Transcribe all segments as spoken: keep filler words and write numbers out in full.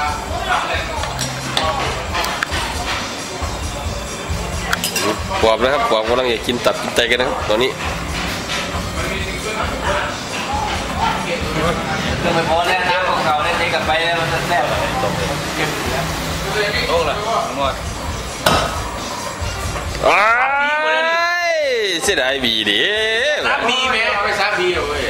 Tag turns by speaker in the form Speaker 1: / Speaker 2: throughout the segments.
Speaker 1: ปอบนะครับปอบกำลังอยากกินตับกินไตกันนะครับตอนนี้
Speaker 2: คือไม่พอแล้วน้ำของเขาเนี่ยเทกับไปแล้วมันแซ่บโอ้ล่ะหมด
Speaker 1: เสียดายบีดิ
Speaker 2: ซับบีไหมเอาไปซับบีเอาเว้ย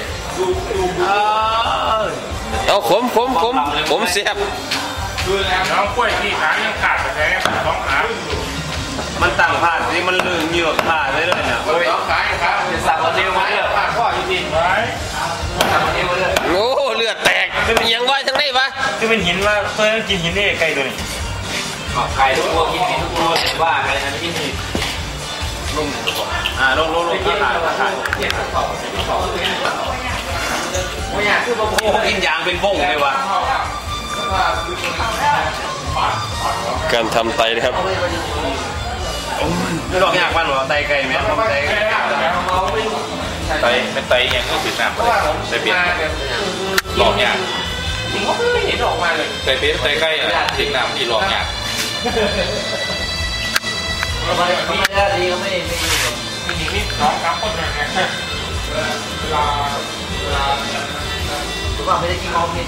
Speaker 1: เอาขมขมขมขมเสียบ
Speaker 3: น้องกล้วยที่ขายังขาดไปแท้สองขา
Speaker 2: มันต่างผ่านนี่มันลืมเหยือกผ่านได้เลยเนี่ยสองขาครับจะสับวันเดียวมาเนี่ยผ่านข้อจริงๆไว้สับวันเดียวเลย
Speaker 1: โอ้เลือดแตกยังว่าทั้งนี้ปะ
Speaker 3: คือเป็นหินว่าเคยกินหินนี่ไก่ตัวนี้
Speaker 2: ไก่ทุกตัวกินหินทุกตัวว่าไก่นั้นกินหินลงอ่าลงลงลงขาดขาดโอ้ยคือโอ้กินยางเป็นบ้งเลยวะ
Speaker 1: การทำไตนะครับ
Speaker 2: ไม่ลองยากบ้านหรอไตไก่ไหมไต
Speaker 3: ไตเป็นไตยังก็ติดน้ำเลยไตเปลี่ยนลองยาก
Speaker 2: จริงเขาไม่เห็นออกมาเลย
Speaker 3: ไตเปลี่ยนไตไก่ติดน้ำที่ลองยาก
Speaker 2: ไม่ได้ดีก็ไม่ไม่
Speaker 3: มีอีกนิดสองสามคนนะเวลาเวลา
Speaker 2: ทุกคนไม่ได้กินของกิน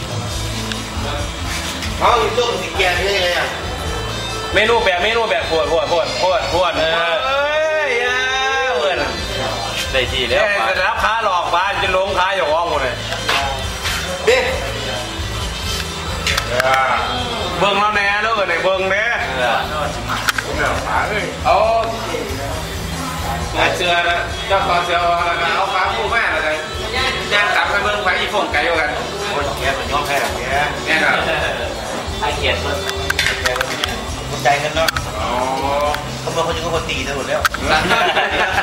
Speaker 4: เขาอยู่ต้มสีแกงนี่ไง
Speaker 2: เมนูแบบเมนูแบบปวดปวดปวดปวดปวดเออเอ้ยเพื่อนได้ทีแล้วจะรับค้าหลอกบ้านจะลงค้าอยู่ห้องหมดเลย
Speaker 4: เบ๊
Speaker 2: เบิ้งเราแน่แล้วกันไหนเบิ้งแน่โอ้เสือนะเจ้าของเสือเอาฟ้าผู้แม่อะไรย่างตับไปเบิ้งไปอีฟงไก่กัน
Speaker 4: โอ้ยแกมันย้อมแค่แก
Speaker 2: แน่นอนไอเกียรติมัน
Speaker 4: ใจกันเนาะเขาบอกเขาจะก็คนตีทั้งหมดแล้ว